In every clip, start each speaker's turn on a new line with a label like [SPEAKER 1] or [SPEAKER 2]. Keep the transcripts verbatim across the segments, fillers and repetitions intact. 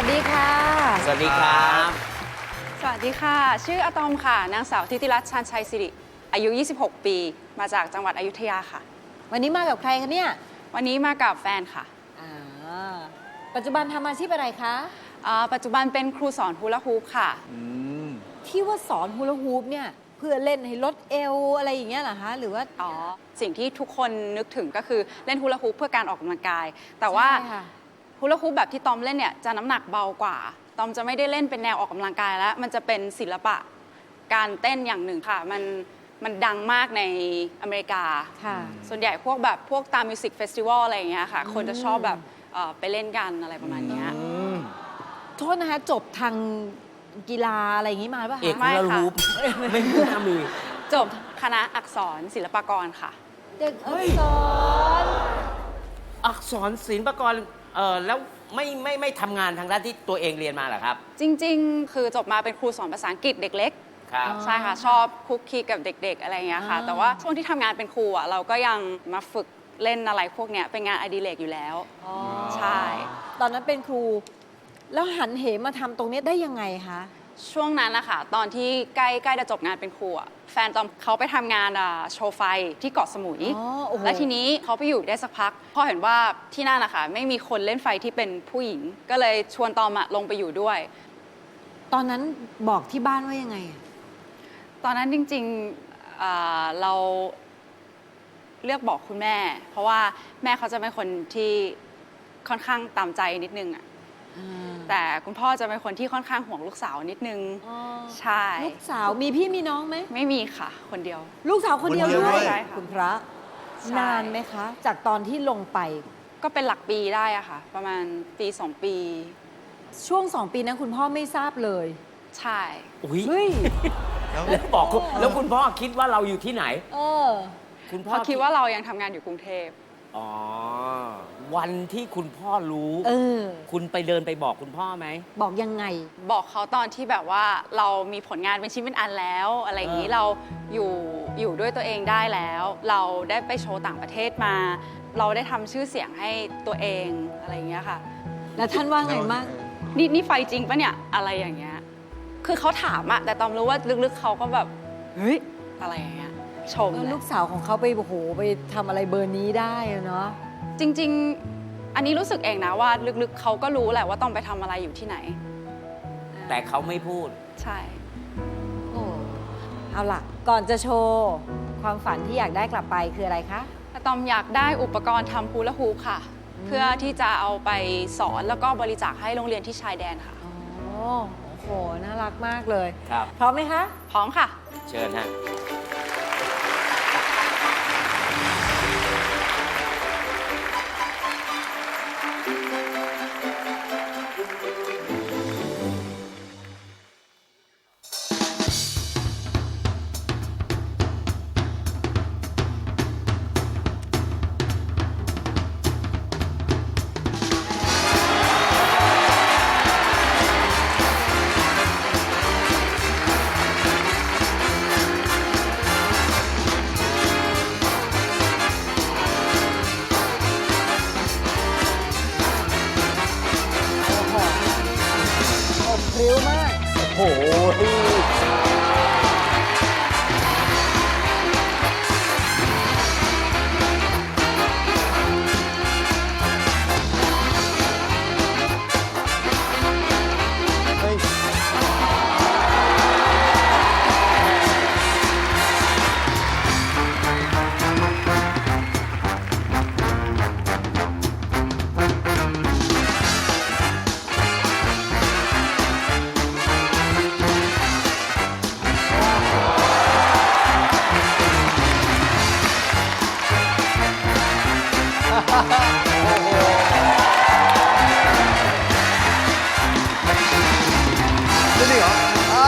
[SPEAKER 1] ดีค่ะ
[SPEAKER 2] สวัสดีครับ
[SPEAKER 3] สวัสดีค่ะชื่ออะตอมค่ะนางสาวทิติรัตน์ชาญชัยสิริอายุ ยี่สิบหก ปีมาจากจังหวัดอยุธยาค่ะ
[SPEAKER 1] วันนี้มากับใครคะเนี่ย
[SPEAKER 3] วันนี้มากับแฟนค่ะ
[SPEAKER 1] อ่าปัจจุบันทำอาชีพอะไรคะ
[SPEAKER 3] ปัจจุบันเป็นครูสอนฮูลาฮูปค่ะ
[SPEAKER 1] ที่ว่าสอนฮูลาฮูปเนี่ยเพื่อเล่นให้ลดเอวอะไรอย่างเงี้ยเหรอคะหรือว่า
[SPEAKER 3] อ๋อสิ่งที่ทุกคนนึกถึงก็คือเล่นฮูลาฮูปเพื่อการออกกำลังกายแต่ว่าฮูลาฮูปแบบที่ตอมเล่นเนี่ยจะน้ำหนักเบากว่าตอมจะไม่ได้เล่นเป็นแนวออกกำลังกายแล้วมันจะเป็นศิลปะการเต้นอย่างหนึ่งค่ะมันมันดังมากในอเมริกาส่วนใหญ่พวกแบบพวกตามมิวสิกเฟสติวัลอะไรอย่างเงี้ยค่ะคนจะชอบแบบไปเล่นกันอะไรประมาณนี้
[SPEAKER 1] โทษนะคะจบทางกีฬาอะไรอย่างงี้มาป่ะคะ
[SPEAKER 2] เอกฮูลาฮูปไม่มีน้ำมือ
[SPEAKER 3] จบคณะอักษรศิลปากรค่ะ
[SPEAKER 1] เด็กอักษร
[SPEAKER 2] อักษรศิลปากรเออแล้วไม่ไม่ไม่ทำงานทางด้านที่ตัวเองเรียนมาเหรอครับ
[SPEAKER 3] จริงๆคือจบมาเป็นครูสอนภาษาอังกฤษเด็กเล็กใช่ค่ะชอบคุกคีกับเด็กๆอะไรอย่างเงี้ยค่ะแต่ว่าช่วงที่ทำงานเป็นครูอ่ะเราก็ยังมาฝึกเล่นอะไรพวกเนี้ยเป็นงานอดิเรกอยู่แล้วใช่
[SPEAKER 1] ตอนนั้นเป็นครูแล้วหันเหมาทำตรงนี้ได้ยังไงคะ
[SPEAKER 3] ช่วงนั้นนะคะตอนที่ใกล้ใกล้จะจบงานเป็นครูแฟนตอมเขาไปทำงานโชว์ไฟที่เกาะสมุยและทีนี้เขาไปอยู่ได้สักพักพอเห็นว่าที่นั่นนะคะไม่มีคนเล่นไฟที่เป็นผู้หญิงก็เลยชวนตอมลงไปอยู่ด้วย
[SPEAKER 1] ตอนนั้นบอกที่บ้านว่ายังไง
[SPEAKER 3] ตอนนั้นจริงๆเราเลือกบอกคุณแม่เพราะว่าแม่เขาจะเป็นคนที่ค่อนข้างตามใจนิดนึงอะแต่คุณพ่อจะเป็นคนที่ค่อนข้างห่วงลูกสาวนิดนึงใช่
[SPEAKER 1] ลูกสาวมีพี่มีน้องไหม
[SPEAKER 3] ไม่มีค่ะคนเดียว
[SPEAKER 1] ลูกสาวคนเดียวด้วยคุณพระนานไหมคะ จากตอนที่ลงไป
[SPEAKER 3] ก็เป็นหลักปีได้อะค่ะประมาณปีสองปี
[SPEAKER 1] ช่วงสองปีนั้นคุณพ่อไม่ทราบเลย
[SPEAKER 3] ใช่
[SPEAKER 2] อุ้ยแล้วบอกแล้วคุณพ่อคิดว่าเราอยู่ที่ไหน
[SPEAKER 1] เออ
[SPEAKER 3] คุณพ่อคิดว่าเรายังทำงานอยู่กรุงเทพ
[SPEAKER 2] อ๋อวันที่คุณพ่อรู้
[SPEAKER 1] เออ
[SPEAKER 2] คุณไปเดินไปบอกคุณพ่อไหม
[SPEAKER 1] บอกยังไง
[SPEAKER 3] บอกเขาตอนที่แบบว่าเรามีผลงานเป็นชิ้นเป็นอันแล้วอะไรอย่างนี้เราอยู่อยู่ด้วยตัวเองได้แล้ว เราได้ไปโชว์ต่างประเทศมา เราได้ทำชื่อเสียงให้ตัวเองอะไรอย่างเงี้ยค่ะ
[SPEAKER 1] แล้วท่านว่าไงบ้าง
[SPEAKER 3] นี่นี่ไฟจริงปะเนี่ยอะไรอย่างเงี้ยคือเขาถามอะแต่ตอมรู้ว่าลึกๆเขาก็แบบเฮ้ยอะไรอย่างเงี้ยชม
[SPEAKER 1] ลูกสาวของเขาไปโอ้โหไปทำอะไรเบอร์นี้ได้เนาะ
[SPEAKER 3] จริงๆอันนี้รู้สึกเองนะว่าลึกๆเขาก็รู้แหละว่าต้องไปทำอะไรอยู่ที่ไหน
[SPEAKER 2] แต่เขาไม่พูด
[SPEAKER 3] ใช่
[SPEAKER 1] โอ้เอาล่ะก่อนจะโชว์ความฝันที่อยากได้กลับไปคืออะไรคะ
[SPEAKER 3] อะตอมอยากได้อุปกรณ์ทำฮูลาฮูปค่ะเพื่อที่จะเอาไปสอนแล้วก็บริจาคให้โรงเรียนที่ชายแดนค่ะ
[SPEAKER 1] โอ้โหน่ารักมากเลย
[SPEAKER 2] ครับ
[SPEAKER 1] พร้อมไหมคะ
[SPEAKER 3] พร้อมค่ะ
[SPEAKER 2] เชิญฮะ
[SPEAKER 1] พริ้วมาก
[SPEAKER 2] โอ้โห
[SPEAKER 4] นี่เหรอ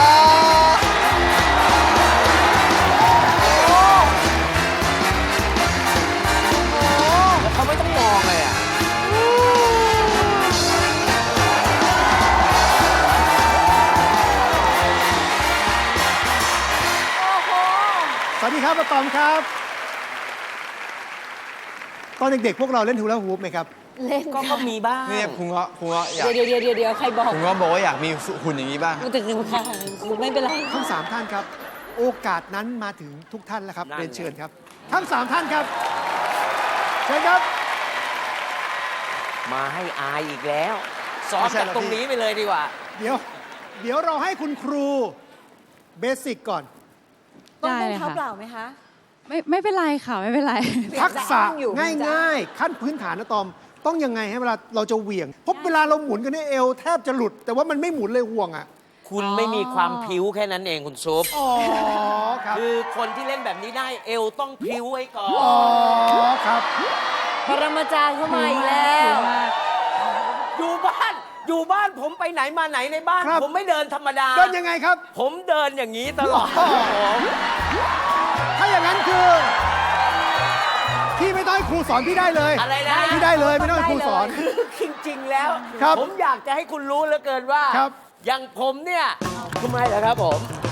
[SPEAKER 2] แล้วเขาไม่ต้องมองเลยอ่ะ
[SPEAKER 4] สวัสดีครับอะตอมครับตอนเด็กๆพวกเราเล่นฮูลาฮูปไหมครับ
[SPEAKER 1] เล่น
[SPEAKER 2] ก็ก็มีบ้าง
[SPEAKER 5] เนี่ยครูเงาะครูเงาะอยาก
[SPEAKER 1] เดี๋ยวเดี๋ยวเดี๋ยวเดี๋ยวใครบอก
[SPEAKER 5] ครูเงาะบอกว่าอยากมีหุ่นอย่างนี้บ้าง
[SPEAKER 1] กูถึงค่ะครูไม่เป็นไร
[SPEAKER 4] ทั้งสามท่านครับ โอกาสนั้นมาถึงทุกท่านแล้วครับ
[SPEAKER 2] นั่น
[SPEAKER 4] เรียนเชิญครับ ทั้งสามท่านครับเชิญครับ
[SPEAKER 2] มาให้อายอีกแล้วซ้อม
[SPEAKER 5] ไม่ใช่
[SPEAKER 2] จาก
[SPEAKER 5] หรอก
[SPEAKER 2] ตรง
[SPEAKER 5] พี่
[SPEAKER 2] นี้ไปเลยดีกว่า
[SPEAKER 4] เดี๋ยว เดี๋ยวเราให้คุณครูเบสิกก่อน
[SPEAKER 1] ต้อง
[SPEAKER 3] ได้
[SPEAKER 1] ต้อง
[SPEAKER 3] เลย
[SPEAKER 1] เท้า
[SPEAKER 3] ค่ะ
[SPEAKER 1] เปล่าไหมคะ
[SPEAKER 3] ไม่ไม่เป็นไรค่ะ ไม่เป็นไร
[SPEAKER 4] ทักษะ
[SPEAKER 1] ยังจะอ้างอยู่
[SPEAKER 4] ง่ายๆ ขั้นพื้นฐานนะตอม ต้องยังไงให้เวลาเราจะเหวี่ยงเพราะเวลาเราหมุนกันเนี่ยเอวแทบจะหลุด แต่ว่ามันไม่หมุนเลยห่วงอ่ะ
[SPEAKER 2] คุณไม่มีความพริ้วแค่นั้นเองคุณซุป
[SPEAKER 4] อ๋อครับ
[SPEAKER 2] คือคนที่เล่นแบบนี้ได้เอวต้องพริ้วไว้ก่อ
[SPEAKER 4] อ๋อน ครับ
[SPEAKER 1] ปรมาจารย์เข้ามาอีกแล้ว
[SPEAKER 2] อยู่บ้าน อยู่บ้านผมไปไหนมาไหนในบ้าน
[SPEAKER 4] ครับ
[SPEAKER 2] ผมไม่เดินธรรมดา
[SPEAKER 4] เดินยังไงครับ
[SPEAKER 2] ผมเดินอย่างนี้ตลอด
[SPEAKER 4] อ๋อ
[SPEAKER 2] ผม
[SPEAKER 4] ถ้าอย่างนั้นคือพี่ไม่ต้องให้ครูสอนพี่ได้เลย
[SPEAKER 2] อะไรนะ
[SPEAKER 4] พี่ได้เลยไม่ต้องให้ครูสอน
[SPEAKER 2] คือจริงๆแล้ว
[SPEAKER 4] ครับ
[SPEAKER 2] ผมอยากจะให้คุณรู้เหลือเกินว่า
[SPEAKER 4] ครับ
[SPEAKER 2] อย่างผมเนี่ยทำไมเหรอครับผม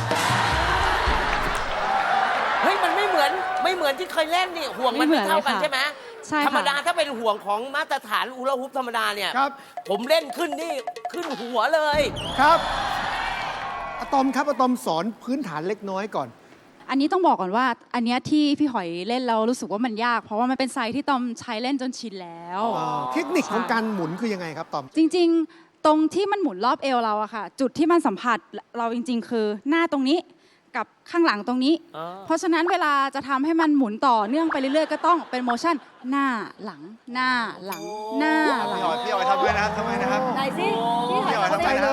[SPEAKER 2] เฮ้ยมันไม่เหมือนไม่เหมือนที่เคยเล่นนี่ห่วงมัน
[SPEAKER 3] ไม่
[SPEAKER 2] ไม่
[SPEAKER 3] เหมือน
[SPEAKER 2] เท่ากัน
[SPEAKER 3] เลยค่ะ
[SPEAKER 2] ใช่ไหม
[SPEAKER 3] ใช่ค่ะ
[SPEAKER 2] ธรรมดาถ้าเป็นห่วงของมาตรฐานอูลาฮุปธรรมดาเนี่ย
[SPEAKER 4] ครับ
[SPEAKER 2] ผมเล่นขึ้นนี่ขึ้นหัวเลย
[SPEAKER 4] ครับอะตอมครับอะตอมสอนพื้นฐานเล็กน้อยก่อน
[SPEAKER 3] อันนี้ต้องบอกก่อนว่า อันเนี้ยที่พี่หอยเล่นเรารู้สึกว่ามันยาก เพราะว่ามันเป็นไซส์ที่ตอมใช้เล่นจนชินแล้ว
[SPEAKER 4] เทคนิคของการหมุนคือยังไงครับตอม
[SPEAKER 3] จริงๆ ตรงที่มันหมุนรอบเอวเราอะค่ะ จุดที่มันสัมผัสเราจริง ๆ คือหน้าตรงนี้กับข้างหลังตรงนี้
[SPEAKER 2] อ๋อ
[SPEAKER 3] เพราะฉะนั้นเวลาจะทำให้มันหมุนต่อเนื่องไปเรื่อยๆ ก็ต้องเป็นโมชั่นหน้าหลัง หน้าหลัง หน้าหลั
[SPEAKER 5] พี่
[SPEAKER 3] ง
[SPEAKER 5] หอยพี่หอยทำด้วยนะครับทำไมนะครับ
[SPEAKER 1] ไหนสิพี่
[SPEAKER 5] พี่หอย
[SPEAKER 1] ห
[SPEAKER 4] เข้า
[SPEAKER 1] อย
[SPEAKER 4] ใจเลย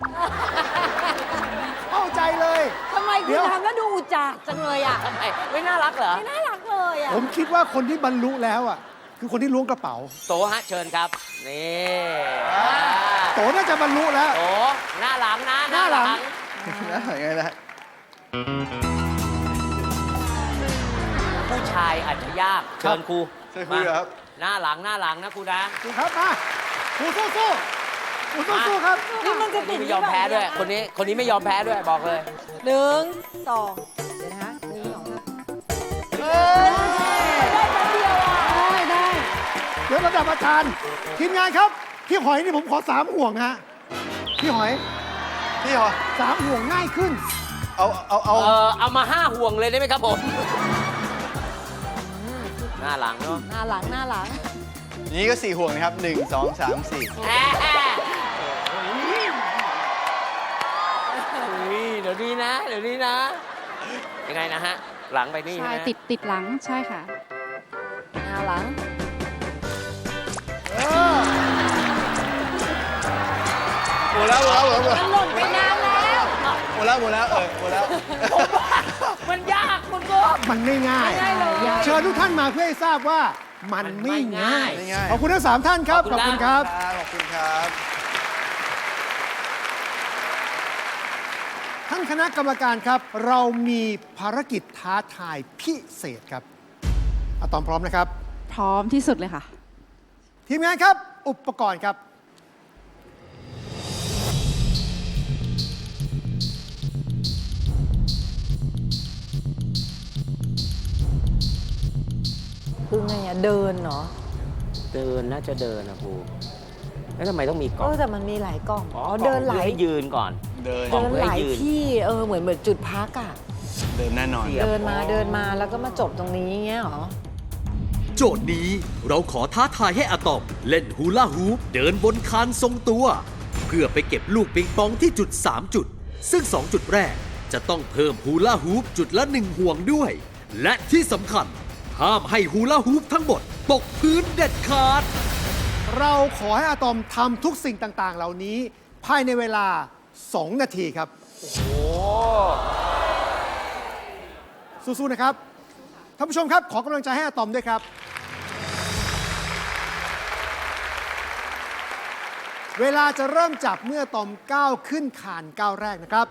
[SPEAKER 4] เข้าใจเลย
[SPEAKER 1] ทำไม
[SPEAKER 4] เดี๋
[SPEAKER 1] คุณ
[SPEAKER 4] ยว
[SPEAKER 1] ทำแล้วดูอุจจาจังเลยอ่ะ
[SPEAKER 2] ทำไมไม่น่ารักเหรอ
[SPEAKER 1] ไม่น่ารักเลยอ่ะ
[SPEAKER 4] ผมคิดว่าคนที่บรรลุแล้วอ่ะคือคนที่ล้วงกระเป๋า
[SPEAKER 2] โตฮะเชิญครับ นี่
[SPEAKER 4] โตน่าจะบรรลุแล้ว
[SPEAKER 2] โตหน้าหลังนะ
[SPEAKER 4] หน้าหลัง
[SPEAKER 5] แล้วยังไงนะ
[SPEAKER 2] ผู้ชายอาจจะยาก เชิญครู
[SPEAKER 5] ใช่ครูเหรอครับ
[SPEAKER 2] หน้าหลังหน้าหลังนะครูนะ
[SPEAKER 4] ครูครับมาครูสู้สู้ครูสู้สู้ครับ
[SPEAKER 1] นี่มันจะ
[SPEAKER 2] คน
[SPEAKER 1] ติ
[SPEAKER 2] นี้
[SPEAKER 1] ด
[SPEAKER 2] ไม่ยอมแพ้ด้วย คนนี้คนนี้ไม่ยอมแพ้ด้วยบอกเลย
[SPEAKER 1] หนึ่งสองเดี๋ยวนะคะหนึ่งสองสามได้แป๊บเดียวอ่ะ
[SPEAKER 3] ได้ได้
[SPEAKER 4] เดี๋ยวระดับอาจารย์ทีมงานครับ พี่หอยนี่ผมขอสามห่วงฮะพี่หอย
[SPEAKER 5] พี่หอย
[SPEAKER 4] สามห่วงง่ายขึ้น
[SPEAKER 5] เอาเอาเอา
[SPEAKER 2] เออเอามาห้าห่วงเลยได้ไหมครับผม หน้าหลังเนาะ
[SPEAKER 1] หน้าหลังหน้าหลัง
[SPEAKER 5] นี้ก็สี่ห่วงนะครับหนึ่งสองสามสี่
[SPEAKER 2] แหมเฮ้ยเดี๋ยวนี้นะ เดี๋ยวนี้นะ ยังไงนะฮะ หลังไปนี่
[SPEAKER 3] ใช่
[SPEAKER 2] ใช่ไหม
[SPEAKER 3] ติดติดหลังใช่ค่ะ
[SPEAKER 1] หน้าหลัง
[SPEAKER 4] เออ
[SPEAKER 5] หมดแล้วหมดแล้วหมดแล้ว
[SPEAKER 1] มันหล่นไปนานแล้ว
[SPEAKER 5] หมดแล้วหมดแล้วเออหมดแล้ว
[SPEAKER 2] มันยากคุณก็
[SPEAKER 4] มันไม่ง่าย
[SPEAKER 1] ไม่ง่ายเลย
[SPEAKER 4] เชิญทุกท่านมาเพื่อให้ทราบว่ามันไม่ง่าย
[SPEAKER 5] ไม่ง่าย
[SPEAKER 4] ขอบคุณทั้งสามท่านครับ
[SPEAKER 2] ขอบคุณ
[SPEAKER 4] ครับ
[SPEAKER 5] ครับขอบคุณครับ
[SPEAKER 4] ท่านคณะกรรมการครับ เรามีภารกิจท้าทายพิเศษครับอะตอมพร้อมนะครับ
[SPEAKER 3] พร้อมที่สุดเลยค่ะ
[SPEAKER 4] ทีมงานครับ อุปกรณ์ครับ
[SPEAKER 1] คือไงอ่ะ เดินเนาะ
[SPEAKER 2] เดินน่าจะเดินนะครู แล้วทำไมต้องมีก
[SPEAKER 1] เอ
[SPEAKER 2] ล่อง
[SPEAKER 1] อแต่มันมีหลายกล่อง
[SPEAKER 2] อ๋อ
[SPEAKER 1] อ๋อเดินหลาย
[SPEAKER 2] ให้ยืนก่อน
[SPEAKER 5] เดิน
[SPEAKER 2] กล่
[SPEAKER 1] เดิ
[SPEAKER 2] อง
[SPEAKER 1] น
[SPEAKER 2] เพื่อ
[SPEAKER 1] ห
[SPEAKER 2] ให้
[SPEAKER 1] ลาย
[SPEAKER 2] ยืน
[SPEAKER 1] ที่เออเหมือนเหมือนจุดพักอ่ะ
[SPEAKER 5] เดินแน่นอน
[SPEAKER 2] เสียบ
[SPEAKER 1] เดินมาเดินมาแล้วก็มาจบตรงนี้เงี้ยเหรอ
[SPEAKER 6] โจทย์นี้เราขอท้าทายให้อะตอมเล่นฮูลาฮูปเดินบนคานทรงตัว เพื่อไปเก็บลูกปิงปองที่จุด สาม จุด ซึ่ง สอง จุดแรกจะต้องเพิ่มฮูลาฮูปจุดละหนึ่งห่วงด้วย และที่สำคัญ ห้ามให้ฮูลาฮูปทั้งหมดตกพื้นเด็ดขาด
[SPEAKER 4] เราขอให้อะตอมทำทุกสิ่งต่างๆ เหล่านี้ ภายในเวลา สอง นาทีครับ สู้ๆนะครับ ท่านผู้ชมครับ ขอกำลังใจให้อะตอมด้วยครับ เวลาจะเริ่มจับเมื่ออะตอมก้าวขึ้นคานก้าวแรกนะครับ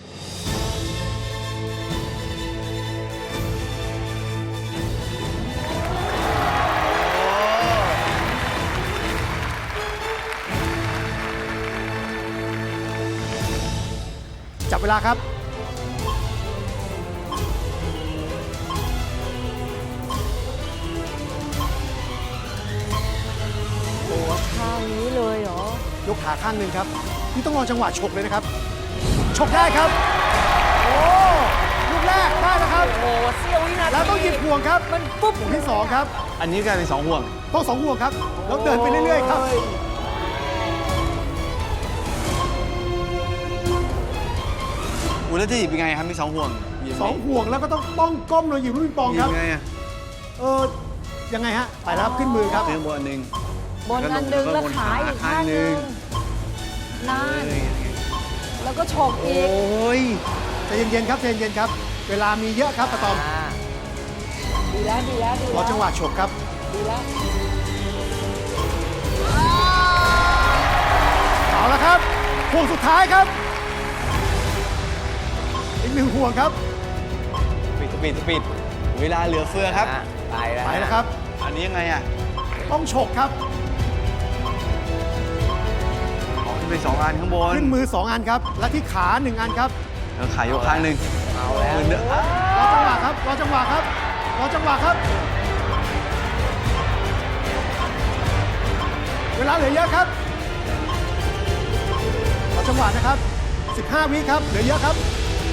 [SPEAKER 4] จับเวลาครับ พกขาข้างหนึ่งครับนี่ต้องรอจังหวะฉกเลยนะครับฉกได้ครับโอ้ลูกแรกได้แล้วครับ
[SPEAKER 2] โอ้โหเสี้ยววินาที
[SPEAKER 4] แล้วต้องหยิบห่วงครับมันปุ๊บห่วงที่สองครับ
[SPEAKER 5] อันนี้กลายเป็นสองห่วง
[SPEAKER 4] ต้องสองห่วงครับแล้วเดินไปเรื่อยๆครับ
[SPEAKER 5] อุ้ยแล้วจะหยิบยังไงครับมีสองห่วงหยิบ
[SPEAKER 4] สองห่วงแล้วก็ต้องต้องก้มลงหยิบลูกปิงปอง
[SPEAKER 5] หยิ
[SPEAKER 4] ครับ บ
[SPEAKER 5] ยังไงอะ
[SPEAKER 4] เออยังไงฮะไปแล้วครับขึ้นมือครับ
[SPEAKER 5] ขึ้นบนอันหนึ่ง
[SPEAKER 1] บนอันหนึ่งแล้วขาอีกข้างหนึ่งนั่นแล้วก็ฉก
[SPEAKER 5] โอ
[SPEAKER 1] อีก้
[SPEAKER 5] ย
[SPEAKER 4] ใจเย็นๆครับใจเย็นๆครับ เวลามีเยอะครับอะตอม
[SPEAKER 2] อ่า
[SPEAKER 1] ดีแล้วดีแล้วดี
[SPEAKER 4] ร
[SPEAKER 1] แล้
[SPEAKER 4] อ
[SPEAKER 1] ว
[SPEAKER 4] จังหวะฉกครับ
[SPEAKER 1] ดีแล้ว
[SPEAKER 4] เอาละครับห่วงสุดท้ายครับอีกหนึ่งห่วงครับ
[SPEAKER 5] ปิดปิดปิดเวลาเหลือเฟือครับ
[SPEAKER 2] อ่ะไปแล้ว
[SPEAKER 4] ไปแล้วครับ
[SPEAKER 5] อันนี้ยังไงอ่ะ
[SPEAKER 4] ต้องฉกครับ
[SPEAKER 5] ออกขึ้นไปสองอันข้างบน
[SPEAKER 4] ขึ้นมือสองอันครับและที่ขาหนึ่งอันครับ
[SPEAKER 5] แล้วขายกข้างหนึ่ง
[SPEAKER 2] เอาแล้ว
[SPEAKER 5] มือเนื้ออ่ะ
[SPEAKER 4] รอจังหวะครับรอจังหวะครับรอจังหวะครับ เวลาเหลือเยอะครับรอจังหวะนะครับสิบห้าวิครับเหลือเยอะครับ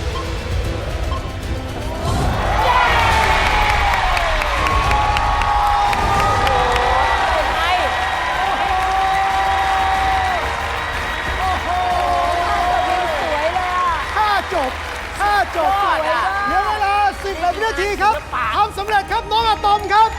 [SPEAKER 1] สวยเลยอ่ะ
[SPEAKER 4] ถ้าจบ ถ้าจบ
[SPEAKER 2] ยอดอะ
[SPEAKER 4] เหลือเวลาสิบวินาทีครับทำสำเร็จครับน้องอะตอมครับ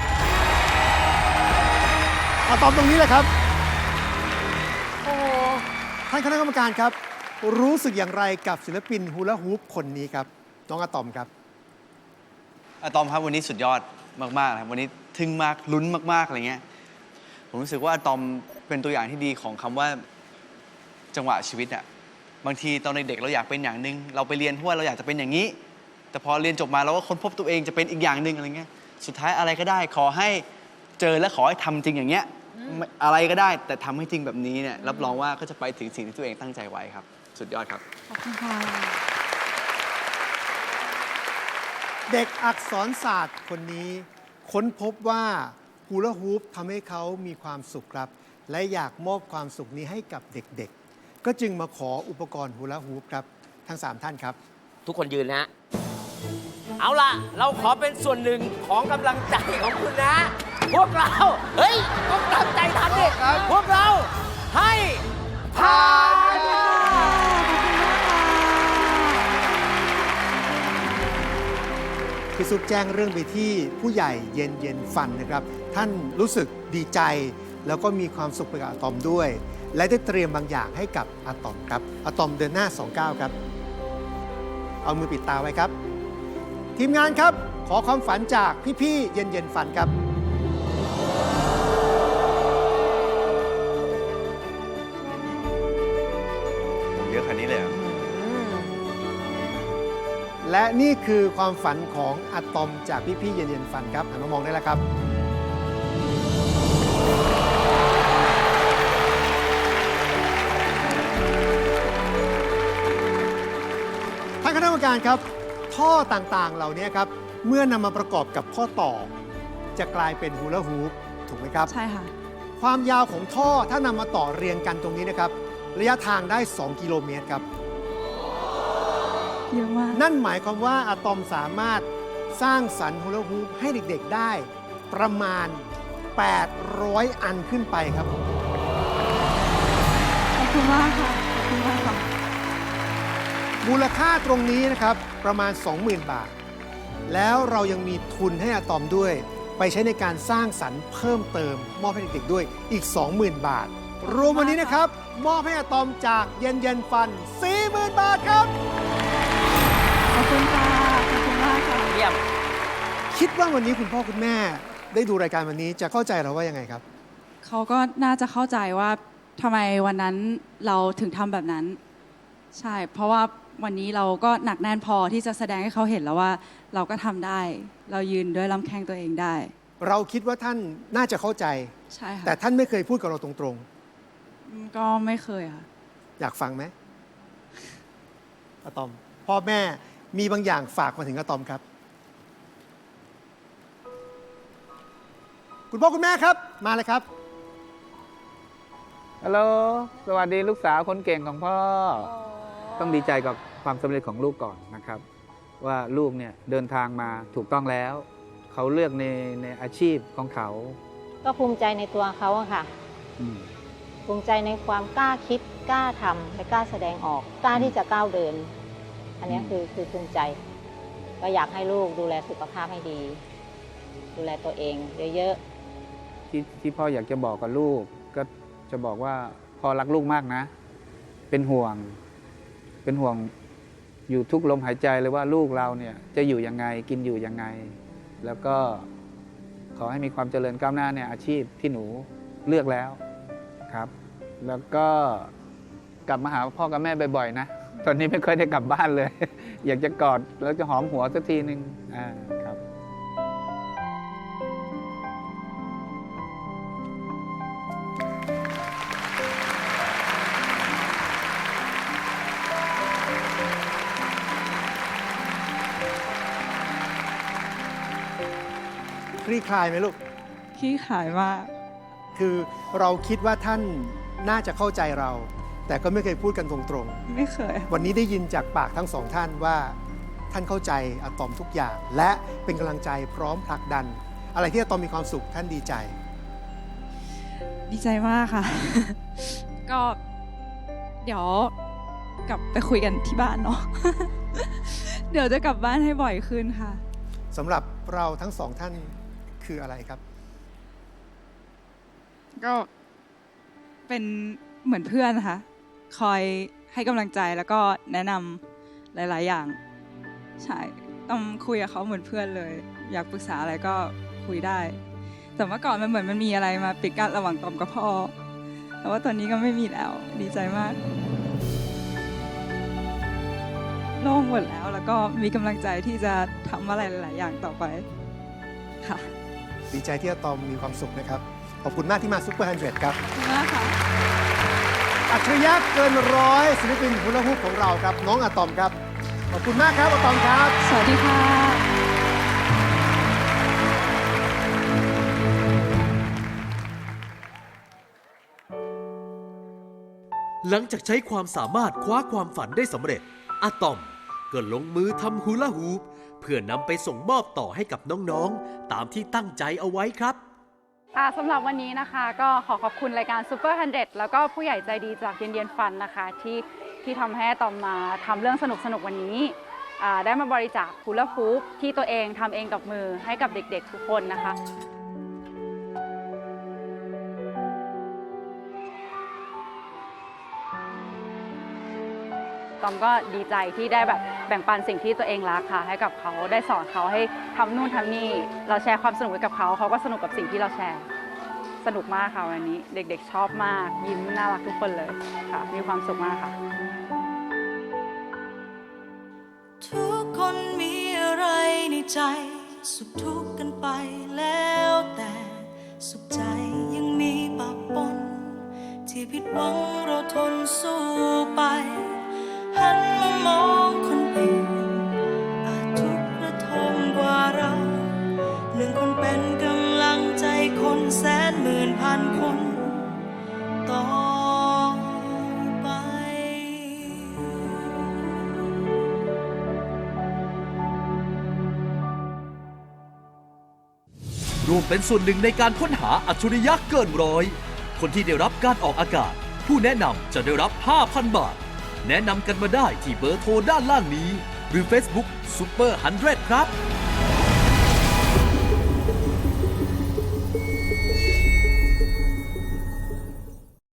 [SPEAKER 4] อะตอมตรงนี้แหละครับ
[SPEAKER 1] โอ้โห
[SPEAKER 4] ท่านคณะกรรมการครับ รู้สึกอย่างไรกับศิลปินฮูลาฮูปคนนี้ครับ น้องอะตอมครับ
[SPEAKER 5] อะตอมครับวันนี้สุดยอดมากๆนะครับวันนี้ทึ่งมากลุ้นมากๆอะไรเงี้ยผมรู้สึกว่าอะตอมเป็นตัวอย่างที่ดีของคำว่าจังหวะชีวิตอะบางทีตอนเด็กๆเราอยากเป็นอย่างหนึ่งเราไปเรียนเพราะว่าเราอยากจะเป็นอย่างนี้ แต่พอเรียนจบมาเราก็ค้นพบตัวเองจะเป็นอีกอย่างหนึ่งอะไรเงี้ยสุดท้ายอะไรก็ได้ขอให้เจอและขอให้ทำจริงอย่างเงี้ยไม่อะไรก็ได้แต่ทำให้จริงแบบนี้เนี่ยรับรองว่าก็จะไปถึงสิ่งที่ตัวเองตั้งใจไว้ครับสุดยอดครับ
[SPEAKER 3] ขอบคุณค่ะ
[SPEAKER 4] เด็กอักษรศาสตร์คนนี้ค้นพบว่าฮูลาฮูปทำให้เขามีความสุขครับ และอยากมอบความสุขนี้ให้กับเด็กๆ ก็จึงมาขออุปกรณ์ฮูลาฮูปครับ ทั้งสามท่านครับ
[SPEAKER 2] ทุกคนยืนนะฮะเอาล่ะ เราขอเป็นส่วนหนึ่งของกำลังใจของคุณนะ พวกเรา เฮ้ยต้องตั้งใจทันดิพวกเราให้ผ่าน
[SPEAKER 4] พี่ซุปแจ้งเรื่องไปที่ผู้ใหญ่เย็นเย็นฟันนะครับ ท่านรู้สึกดีใจ แล้วก็มีความสุขไปกับอะตอมด้วย และได้เตรียมบางอย่างให้กับอะตอมครับอะตอมเดินหน้าสองก้าวครับ เอามือปิดตาไว้ครับ ทีมงานครับขอความฝันจากพี่ๆเย็นเย็นฟันครับ
[SPEAKER 5] ผมเยอะขนาดนี้เลยเหรอ
[SPEAKER 4] และนี่คือความฝันของอะตอมจากพี่ๆเย็นเย็นฟันครับหันมามองได้แล้วครับ ท่านคณะกรรมการครับ ท่อต่างๆ เหล่านี้ครับ เมื่อนำมาประกอบกับข้อต่อ จะกลายเป็นฮูลาฮูปถูกไหมครับ
[SPEAKER 3] ใช่ค่ะ
[SPEAKER 4] ความยาวของท่อถ้านำมาต่อเรียงกันตรงนี้นะครับ ระยะทางได้ สอง กิโลเมตรครับ
[SPEAKER 3] เยอะมาก
[SPEAKER 4] นั่นหมายความว่าอะตอมสามารถสร้างสรรค์ฮูลาฮูปให้เด็กๆได้ ประมาณ แปดร้อย อันขึ้นไปครับ
[SPEAKER 3] ขอบคุณมากค่ะ ขอบคุณมากค่ะ
[SPEAKER 4] มูลค่าตรงนี้นะครับประมาณ สองหมื่น บาท แล้วเรายังมีทุนให้อะตอมด้วย ไปใช้ในการสร้างสรรค์เพิ่มเติม มอบให้เด็กๆด้วยอีก สองหมื่น บาท รวมวันนี้นะครับ มอบให้อะตอมจากเย็นเย็นฟัน สี่หมื่น บาทครับ
[SPEAKER 3] ขอบคุณค่ะ ขอบคุณมากค่ะ
[SPEAKER 2] เยี่ยม
[SPEAKER 4] คิดว่าวันนี้คุณพ่อคุณแม่ได้ดูรายการวันนี้จะเข้าใจเราว่ายังไงครับ
[SPEAKER 3] เขาก็น่าจะเข้าใจว่าทำไมวันนั้นเราถึงทำแบบนั้น ใช่ เพราะว่าวันนี้เราก็หนักแน่นพอที่จะแสดงให้เขาเห็นแล้วว่าเราก็ทำได้ เรายืนด้วยลำแข้งตัวเองได้
[SPEAKER 4] เราคิดว่าท่านน่าจะเข้าใจ
[SPEAKER 3] ใช่ค่ะ
[SPEAKER 4] แต่ท่านไม่เคยพูดกับเราตรง
[SPEAKER 3] อืมก็ไม่เคยค่ะ
[SPEAKER 4] ๆ อยากฟังไหมอะตอม พ่อแม่มีบางอย่างฝากมาถึงอะตอมครับ คุณพ่อคุณแม่ครับมาเลยครับ
[SPEAKER 7] ฮัลโหล สวัสดีลูกสาวคนเก่งของพ่อ ต้องดีใจกับความสำเร็จของลูกก่อนนะครับ ว่าลูกเนี่ยเดินทางมาถูกต้องแล้ว เขาเลือกในในอาชีพของเขา
[SPEAKER 8] ก็ภูมิใจในตัวเขาอะค่ะ
[SPEAKER 7] อืม
[SPEAKER 8] ภูมิใจในความกล้าคิดกล้าทำและกล้าแสดงออกกล้าที่จะก้าวเดิน อันนี้คือคือภูมิใจ ก็อยากให้ลูกดูแลสุขภาพให้ดี ดูแลตัวเองเยอะๆ
[SPEAKER 7] ที่ที่พ่ออยากจะบอกกับลูก ก็จะบอกว่าพ่อรักลูกมากนะ เป็นห่วง เป็นห่วงอยู่ทุกลมหายใจเลยว่าลูกเราเนี่ยจะอยู่ยังไงกินอยู่ยังไง แล้วก็ขอให้มีความเจริญก้าวหน้าในอาชีพที่หนูเลือกแล้วครับ แล้วก็กลับมาหาพ่อกับแม่บ่อยๆนะ ตอนนี้ไม่ค่อยได้กลับบ้านเลย อยากจะกอดแล้วจะหอมหัวสักทีหนึ่งอ่าครับ
[SPEAKER 4] คลี่คลายไหมลูก
[SPEAKER 3] ขี้ขายมาก
[SPEAKER 4] คือเราคิดว่าท่านน่าจะเข้าใจเรา แต่ก็ไม่เคยพูดกันตรง
[SPEAKER 3] ไม่เคย
[SPEAKER 4] ๆ วันนี้ได้ยินจากปากทั้งสองท่านว่าท่านเข้าใจอะตอมทุกอย่าง และเป็นกำลังใจพร้อมผลักดัน อะไรที่อะตอมมีความสุขท่านดีใจ
[SPEAKER 3] ดีใจมากค่ะ ก็เดี๋ยวกลับไปคุยกันที่บ้านเนาะ เดี๋ยวจะกลับบ้านให้บ่อยขึ้นค่ะ
[SPEAKER 4] สำหรับเราทั้งสองท่านคืออะไรครับ
[SPEAKER 3] ก็เป็นเหมือนเพื่อนนะคะ คอยให้กำลังใจแล้วก็แนะนำหลาย ๆ อย่าง ใช่ต้องคุยกับเขาเหมือนเพื่อนเลย อยากปรึกษาอะไรก็คุยได้ แต่เมื่อก่อนมันเหมือนมันมีอะไรมาปิดกั้นระหว่างตอมกับพ่อ แต่ว่าตอนนี้ก็ไม่มีแล้ว ดีใจมากโล่งหมดแล้วแล้วก็มีกำลังใจที่จะทำอะไรหลาย ๆ อย่างต่อไปค่ะ
[SPEAKER 4] ดีใจที่อะตอมมีความสุขนะครับ ขอบคุณมากที่มาซุปเปอร์ฮันเดรดครับ
[SPEAKER 3] ขอบคุณมากค่ะ
[SPEAKER 4] อัจฉริยะเกินร้อยศิลปินฮูลาฮูปของเราครับ น้องอะตอมครับ ขอบคุณมากครับอะตอมครับ
[SPEAKER 3] สวัสดีค่ะ
[SPEAKER 6] หลังจากใช้ความสามารถคว้าความฝันได้สำเร็จอะตอมก็ลงมือทำฮูลาฮูปเพื่อนำไปส่งมอบต่อให้กับน้องๆ ตามที่ตั้งใจเอาไว้ครับ
[SPEAKER 3] ค่ะสำหรับวันนี้นะคะก็ขอขอบคุณรายการ Super หนึ่งร้อย แล้วก็ผู้ใหญ่ใจดีจากเย็นเย็นฟันนะคะที่ที่ทำให้ตอมมาทำเรื่องสนุกสนุกวันนี้อ่าได้มาบริจาคฮูลาฮูปที่ตัวเองทำเองกับมือให้กับเด็กๆทุกคนนะคะตอมก็ดีใจที่ได้แบบแบ่งปันสิ่งที่ตัวเองรักค่ะให้กับเขาได้สอนเขาให้ทำนู่นทำนี่เราแชร์ความสนุกไว้กับเขาเขาก็สนุกกับสิ่งที่เราแชร์สนุกมากค่ะวันนี้เด็กๆชอบมากยิ้มน่ารักทุกคนเลยค่ะมีความสุขมากค่ะ
[SPEAKER 9] ทุกคนมีอะไรในใจ สุขทุกข์กันไปแล้วแต่สุขใจยังมีปะปนที่ผิดหวังเราทนสู้ไปหันมามองคนอื่นอาจทุกข์ระทมกว่าเราหนึ่งคนเป็นกำลังใจคนแสนหมื่นพันคนต่อไป
[SPEAKER 6] ร่วมเป็นส่วนหนึ่งในการค้นหาอัจฉริยะเกินร้อย คนที่ได้รับการออกอากาศ ผู้แนะนำจะได้รับ ห้าพัน บาท แนะนำกันมาได้ที่เบอร์โทรด้านล่างนี้ หรือ Facebook Super หนึ่งร้อย ครับ